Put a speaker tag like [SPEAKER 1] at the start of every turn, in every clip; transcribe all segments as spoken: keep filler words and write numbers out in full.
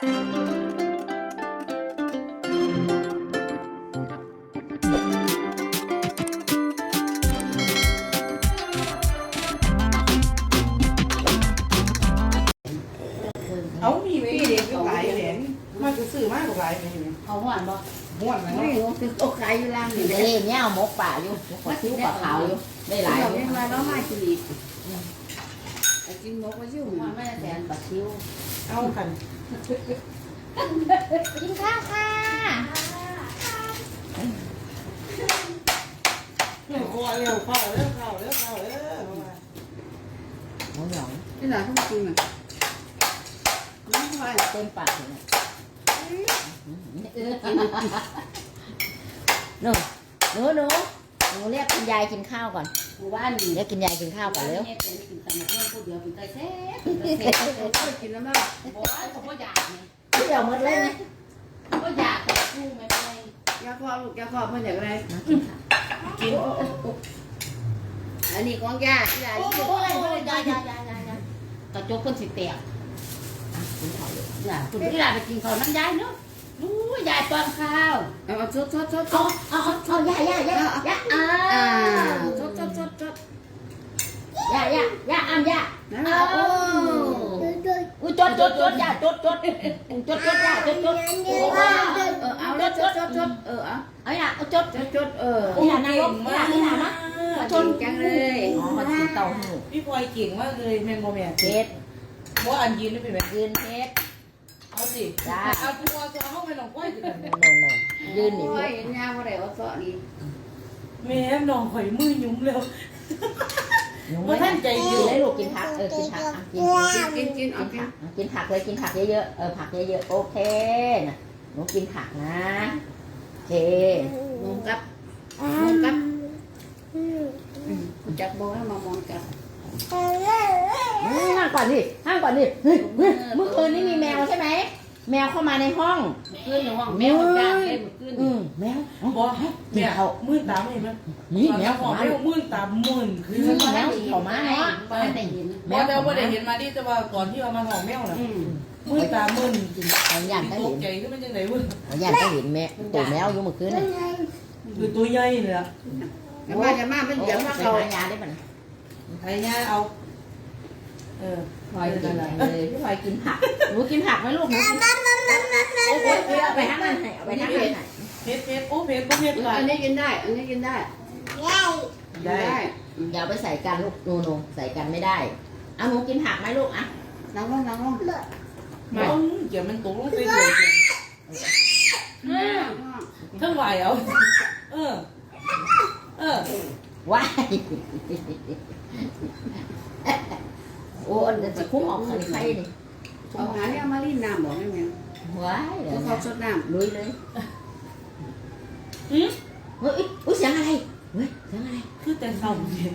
[SPEAKER 1] เอามีพี่เด็กหลายเหรียญมันจะซื้อมากกว่าหลายเหรียญ
[SPEAKER 2] เอาหวานบ่
[SPEAKER 1] ม้วนนะ
[SPEAKER 2] ไม่รู้คือตกขายอยู่ล่างนี่
[SPEAKER 3] นี่เนี่ยเอาหมกป่าอยู่ขอคิ้วปลาขาวอยู่ได้หลาย
[SPEAKER 2] เราไม่มาแล้วมากินอีกไอ้กินหมกก็ชิว
[SPEAKER 3] มันไม่ได้แทนปลาคิ้ว
[SPEAKER 1] เอาขัน
[SPEAKER 3] กินข้าวค่ะ
[SPEAKER 1] เร็วคอเร็วเข้าเร็วเข้าเร็วเข้าเร็ว
[SPEAKER 3] หมูหยอง
[SPEAKER 2] ที่ไหนเขากินอ่ะน้ำควาย
[SPEAKER 3] เต็มปากเลยหนูหนูหนูหนูเรียกคุณยายกินข้าวก่อน
[SPEAKER 2] หมู่บ้านนี่
[SPEAKER 3] เรียกกินยายกินข้าวก่อนเร็ว
[SPEAKER 2] เนี่ยเป็นกินตำมะม่วงผู้เดียวเป็นไก่แซ่บเป็นไก่แซ่บเขากินแล้วมั้งบอกว่าเขาไม่อยากไง
[SPEAKER 3] เดี๋ยวหมดเลยไหม
[SPEAKER 2] ก็อยากแต่กุ้งไม่เป็นไรยาคอลูกยาคอเพื่อนอยากอะไร
[SPEAKER 1] กิน
[SPEAKER 2] อันนี้ของยาที่ยาที่โอ้ยโอ้ยยายายายายากระจกเพิ่นสิแตก
[SPEAKER 3] กินข้าวเลย
[SPEAKER 2] อย่าคุณที่ยาไปกินข้าวน้ำยายเนาะรู้ยายตอนข้าวเอาชดชดชดช
[SPEAKER 3] เอา
[SPEAKER 2] ด
[SPEAKER 3] เอาเอาเอาย่าย่าย่าย่าอ่า
[SPEAKER 2] อ่าชดชดชดชด
[SPEAKER 3] ย่าย่าย่าอ้ำย่า
[SPEAKER 2] เอาโอ้
[SPEAKER 3] อุ้ยจดจดจดย่าจดจดจดจดย่าจดจด
[SPEAKER 2] เออเอาแล้วชดชดชดเออเอา
[SPEAKER 3] เอาย่าเอาจด
[SPEAKER 2] ชดชดเออ
[SPEAKER 3] นี่ล่ะนายกนี่ล่ะนี่ล่ะนะ
[SPEAKER 2] ชนจังเลย
[SPEAKER 3] อ๋อมากินเต้าหู้
[SPEAKER 1] พี่พลอยเก่งมากเลยแมนโมแมน
[SPEAKER 3] เพชร
[SPEAKER 1] ว่าอันยืนได้เป็นแบบ
[SPEAKER 3] ยืนเพชร
[SPEAKER 1] เอาสิเอาตัวตัวเข้าไปหนองก้อยสิกัน
[SPEAKER 3] โนโนยืนนี่
[SPEAKER 2] โอ้
[SPEAKER 3] เพ
[SPEAKER 2] ย
[SPEAKER 3] ชร
[SPEAKER 2] ยาว่าไรเอาซอนี่
[SPEAKER 1] แม่หนองข่อยมือยุ่มเร็ว ว่าท่านใจ
[SPEAKER 3] กิ
[SPEAKER 1] อยู่
[SPEAKER 3] นเลยลูกกินผักเออกินผักอ่ะกิน
[SPEAKER 2] กินกิน
[SPEAKER 3] กิ
[SPEAKER 2] เอา
[SPEAKER 3] น
[SPEAKER 2] กิ
[SPEAKER 3] ผั
[SPEAKER 2] น
[SPEAKER 3] กกินผักเลยกินผักเยอะๆเออผักเยอะๆโอเคนะหนูกินผักนะโอเค
[SPEAKER 2] มองกับมองกับจับโบให้มามองกับ
[SPEAKER 3] ห้างก่อนดิห้างก่อนดิเฮ้ยเฮ้ยเมื่อคืนนี้มีแมวใช่ไหมแมวเข้ามาในห้อง
[SPEAKER 2] ขึ้นในห้องแมวจานเล่นขึ้น
[SPEAKER 3] อืมแมว
[SPEAKER 1] บอกให้แม่เอามือตามเห็นไหม
[SPEAKER 3] นี่แมว
[SPEAKER 1] ขอ
[SPEAKER 3] เข้ามา
[SPEAKER 1] ให้มือตามมื่นคือ
[SPEAKER 3] แมวเข้ามาเนาะ
[SPEAKER 2] ไม่ได้เห็น
[SPEAKER 1] แมวแต่ว่าได้เห็นมาดิแต่ว่าก่อนที่เอามาหอมแมวน่ะ
[SPEAKER 2] อืม
[SPEAKER 1] มือตามมื่น
[SPEAKER 3] เอาย่านก็
[SPEAKER 1] ต
[SPEAKER 3] เห็
[SPEAKER 1] ก
[SPEAKER 3] น
[SPEAKER 1] ใจขึ้นเป็นยังไงวะ
[SPEAKER 3] เอาย่านก็เห็นแม่ตัวแมวอยู่เมื่อคืนนี่
[SPEAKER 1] คือตัวใหญ่เลยอะ
[SPEAKER 2] จะมาจะมาเป็นเดี๋ยวมา
[SPEAKER 3] ไป
[SPEAKER 2] เขา
[SPEAKER 3] หายาได้ปะนะ
[SPEAKER 1] ไอ้เนี่ยเอาเออ
[SPEAKER 3] พลอยกินเลยพี่พลอยกินผักหนูกินผักไหมลูกหนูกินโอ้โหเอาไปทั้งนั้นให้เอาไปทั้งนั้นให้
[SPEAKER 1] เพชรเพชรโอ้เพชรก็เพชรหลาย
[SPEAKER 2] อันนี้กินได้ อันนี้กินได้ได้
[SPEAKER 3] อย่าไปใส่กันลูกหนูหนูใส่กันไม่ได้เอาหนูกินผักไหมลูกอ่ะ
[SPEAKER 2] นั่งลงนั่งลง
[SPEAKER 1] ไม่เกี่ยวมันตกลงไปเลยทั้งไหวเอาเออเออ
[SPEAKER 3] ว้ายโอ้อันจะคุ้มออกขันไข่นี่
[SPEAKER 2] เอาหาเนี่ยมาลีนน้ำบอกให้แม่
[SPEAKER 3] ว้ายเดี๋ยว
[SPEAKER 2] เขา
[SPEAKER 3] นะ
[SPEAKER 2] สดน้
[SPEAKER 3] ลุยเลย
[SPEAKER 1] อืม
[SPEAKER 3] เฮ้ยอุ้ยเสียงอะไรเฮ้ยเสียงอะไร
[SPEAKER 1] คือแต่เศร้าเนี่ย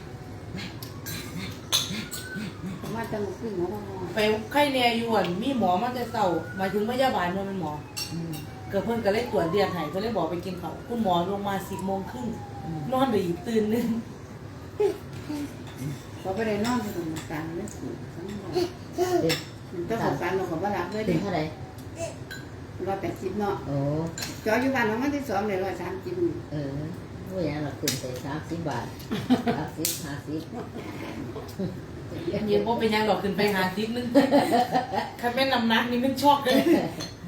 [SPEAKER 2] ำมาจะมาขึ้นหัวมอง
[SPEAKER 1] ไปไข้แน่ยวนมีหมอมาแต่เศร้าหมายถึงพยาบาลมันเป็นหมอ
[SPEAKER 3] อืม
[SPEAKER 1] เกิดเพิ่นก็เลยตรวจเดือนให้ก็เลยบอกไปกินข้าวคุณหมอลงมาสิบโมงครึ่ง
[SPEAKER 3] อืม
[SPEAKER 1] นอนไปอีกตื่นนึง
[SPEAKER 2] เขาไปได้นอนที่ตรงกลางเลยมันต้องสงสารเราของบ้านรักเลย
[SPEAKER 3] ถึ
[SPEAKER 2] ดิ
[SPEAKER 3] งเท่าไหร่
[SPEAKER 2] ร้อยแปดสิบเนาะ
[SPEAKER 3] โอ้
[SPEAKER 2] จออยู่บ้านเราไม่ได้สอนเลยร้อยสามสิบ
[SPEAKER 3] เออผู้ใหญ่เราขึ้นไปสามสิบบาทสามสิบห้าสิบ
[SPEAKER 1] อันนี้บ่เป็นยังดอกขึ้นไปหาซิกนึง ถ้าเป็นน้ำหนักนี่มันช็อกเลย